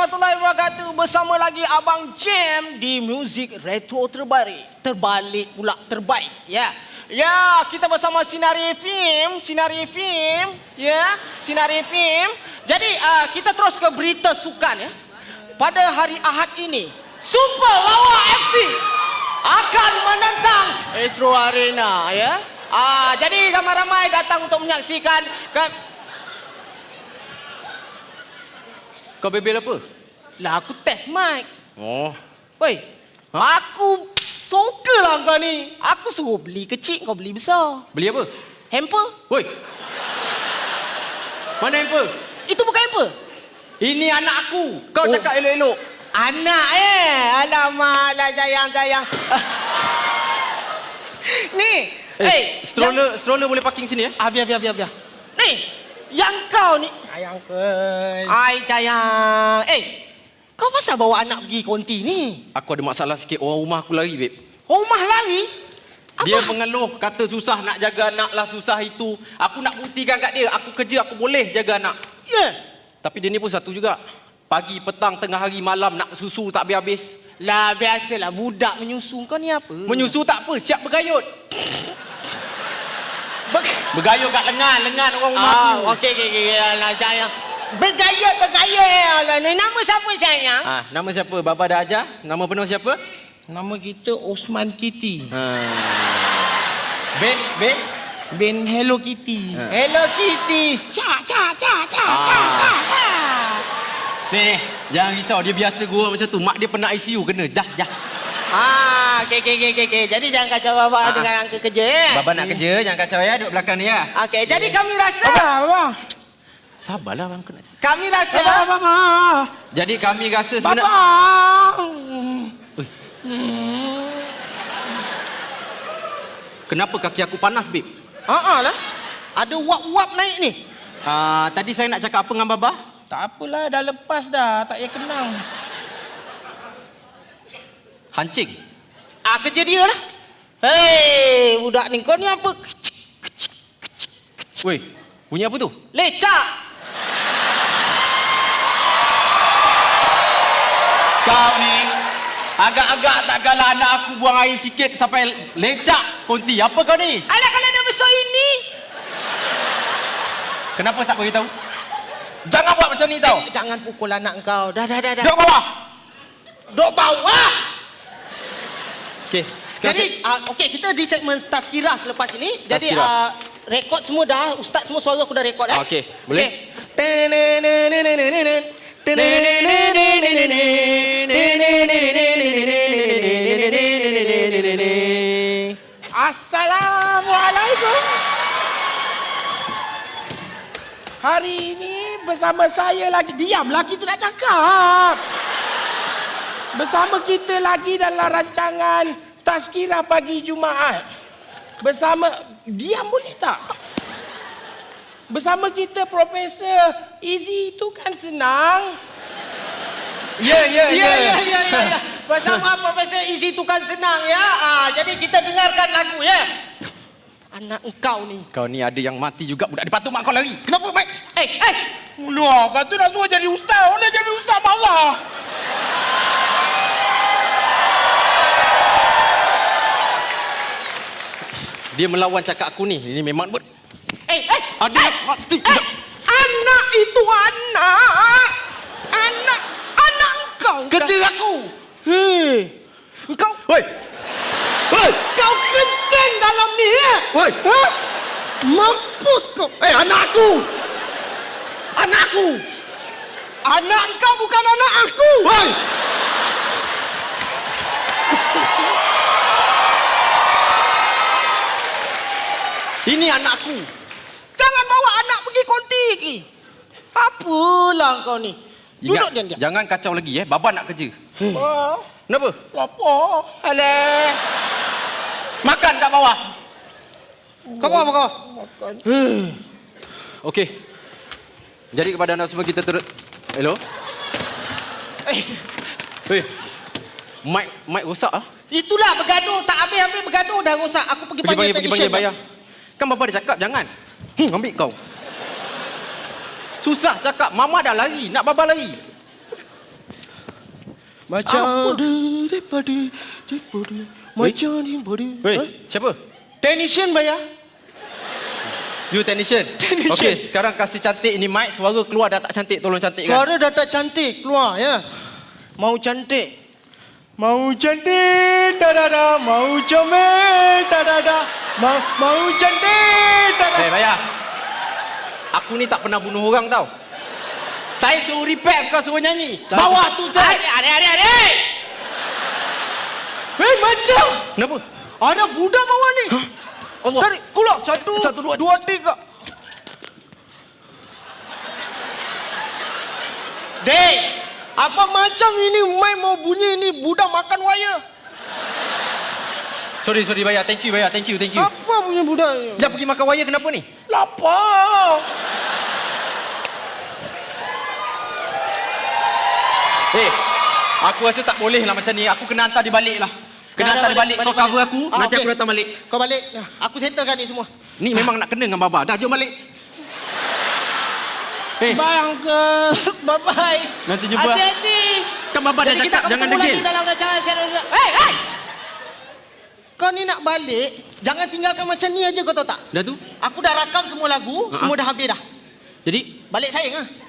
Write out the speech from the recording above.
warahmatullahi wabarakatuh. Bersama lagi Abang Jam di muzik retro terbalik pula terbaik. Ya. Ya, kita bersama Sinari FM. Ya, Sinari FM. Jadi kita terus ke berita sukan ya. Pada hari Ahad ini, Super Lawa FC akan menentang Astro Arena ya. Jadi ramai-ramai datang untuk menyaksikan Kau bebel apa? Lah aku test mic. Oh. Woi, aku suka lah kau ni. Aku suruh beli kecil, kau beli besar. Beli apa? Hamper? Woi. Mana hamper? Itu bukan hamper. Ini anak aku. Kau cakap elok-elok. Anak Alamak lah sayang. Ni. Stroller boleh parking sini ya? Biar. Ni. Yang kau ni. Sayang ke? Ai sayang. Kau pasal bawa anak pergi konti ni? Aku ada masalah sikit. Orang rumah aku lari, babe. Rumah lari? Apa? Dia mengeluh, kata susah nak jaga anak lah, susah itu. Aku nak buktikan kat dia, aku kerja, aku boleh jaga anak. Ya. Yeah. Tapi dia ni pun satu juga. Pagi, petang, tengah hari, malam nak susu tak habis-habis. Lah biasalah budak menyusu. Kau ni apa? Menyusu tak apa, siap bergayut. Bergayut kat lengan orang rumah aku. Okey. Alah sayang. Bergayut. Alah, nama siapa sayang? Nama siapa? Baba dah ajar? Nama penuh siapa? Nama kita Osman Kitty. Ben Hello Kitty. Hello Kitty. Ca. Ni, jangan risau. Dia biasa gurau macam tu. Mak dia pernah ICU kena. Dah. Okey. Jadi jangan kacau baba dengan angka kerja ya. Baba nak kerja, jangan kacau ya. Duduk belakang ni ya. Okey, jadi kami rasa Abang. Sabarlah bang. Kami rasa Jadi kami rasa sebenarnya. Kenapa kaki aku panas, babe? lah. Ada wap-wap naik ni. Tadi saya nak cakap apa dengan Baba? Tak apalah, dah lepas dah. Tak payah kenang. Hancing. Kerja dia lah. Hei, budak ni kau ni apa? Weh, bunyi apa tu? Lecak. Kau ni agak-agak tak galah anak aku buang air sikit sampai lecak konti. Apa kau ni? Alah, kalau dah besar ini. Kenapa tak beritahu? Jangan buat macam ni tau. Jangan pukul anak kau. Dah. Duduk bawah. Duduk bawah. Okey. Jadi, kita di segmen Tazkirah selepas ini. Jadi, Tazkirah. rekod semua dah. Ustaz semua suara aku dah rekod dah. Okey, boleh? Assalamualaikum. Hari ini bersama saya lagi. Diamlah, kita nak cakap. Bersama kita lagi dalam rancangan Tazkirah Pagi Jumaat. Diam boleh tak? Bersama kita Profesor Izzy itu kan senang. Ya. Bersama Profesor Izzy tu kan senang ya. Jadi kita dengarkan lagu ya. Anak engkau ni. Kau ni ada yang mati juga budak. Dia patut mak kau lari. Kenapa, Mak? Mula kata nak suruh jadi ustaz. Orang jadi ustaz malah. Dia melawan cakap aku ni. Ini memang Ada mati. Anak itu anak. Anak engkau. kerja aku. Hei. Engkau. Woi. Kau kencing dalam ni ya. Woi. Mampus kau. Anakku. Anak engkau bukan anak aku. Woi. Ini anakku. Jangan bawa anak pergi konti lagi. Apalah kau ni. Duduk diam. Jangan kacau lagi Baba nak kerja. Kenapa? Lapar. Alah. Makan kat bawah. Kau apa? Makan. Okey. Jadi kepada anda semua kita Hello? Mic rosak Itulah bergaduh. Tak habis-habis bergaduh dah rosak. Aku pergi panggil technician. bayar. Kan Baba dah cakap jangan. Ambil kau. Susah cakap. Mama dah lari. Nak Baba lari. Macam Weh, siapa? Technician bayar. You technician? Technician. Okey, sekarang kasih cantik ni mic. Suara keluar dah tak cantik. Tolong cantikkan. Suara dah tak cantik keluar ya. Mau cantik. Mau cantik tadada, mau comel tadada, mau cantik tadada. Bayar. Aku ni tak pernah bunuh orang tau. Saya suruh repair bukan suruh nyanyi. Bawa tu je. Adik. Hei, macam. Kenapa? Ada budak bawah ni. Allah. Tarik, keluar. Satu, dua, tiga. Dek, apa macam ini mic mau bunyi ni budak makan wire? Sorry bayar. Thank you bayar. Thank you. Apa punya budak? Sekejap pergi makan wire kenapa ni? Lapar. Aku rasa tak boleh lah macam ni. Aku kena hantar dia balik lah. Kena hantar dia balik. Kau cover aku, nanti aku datang balik. Kau balik. Aku settlekan ni semua. Ni memang nak kena dengan Baba. Dah, jom balik. Bye, Uncle. Bye-bye. Nanti jumpa. Hati-hati. Kan Baba dah cakap jangan degil. Dalam rancangan serius. Hey! Kau ni nak balik, jangan tinggalkan macam ni aja kau tahu tak? Dah tu? Aku dah rakam semua lagu, semua dah habis dah. Jadi? Balik sayang ah.